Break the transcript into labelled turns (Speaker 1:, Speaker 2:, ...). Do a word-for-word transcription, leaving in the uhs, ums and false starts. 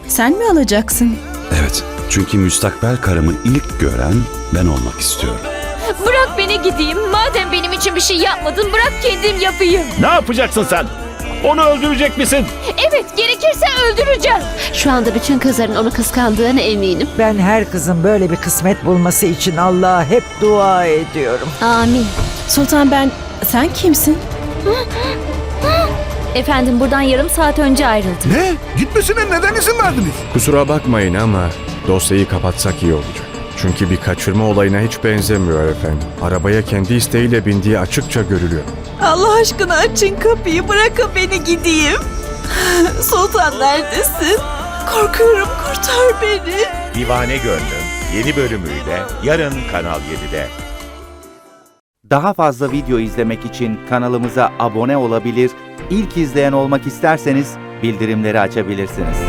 Speaker 1: Sen mi alacaksın?
Speaker 2: Evet, çünkü müstakbel karımı ilk gören ben olmak istiyorum.
Speaker 3: Bırak beni gideyim. Madem benim için bir şey yapmadın, bırak kendim yapayım.
Speaker 4: Ne yapacaksın sen? Onu öldürecek misin?
Speaker 3: Evet, gerekirse öldüreceğim.
Speaker 5: Şu anda bütün kızların onu kıskandığına eminim.
Speaker 6: Ben her kızın böyle bir kısmet bulması için Allah'a hep dua ediyorum.
Speaker 5: Amin.
Speaker 1: Sultan ben... Sen kimsin?
Speaker 3: Efendim, buradan yarım saat önce ayrıldım.
Speaker 7: Ne? Gitmesine neden izin verdiniz?
Speaker 8: Kusura bakmayın ama dosyayı kapatsak iyi olacak. Çünkü bir kaçırma olayına hiç benzemiyor efendim. Arabaya kendi isteğiyle bindiği açıkça görülüyor.
Speaker 9: Allah aşkına açın kapıyı, bırakın beni gideyim. Sultan neredesin? Korkuyorum, kurtar beni.
Speaker 10: Divane Gönlüm yeni bölümüyle yarın Kanal yedide.
Speaker 11: Daha fazla video izlemek için kanalımıza abone olabilir, ilk izleyen olmak isterseniz bildirimleri açabilirsiniz.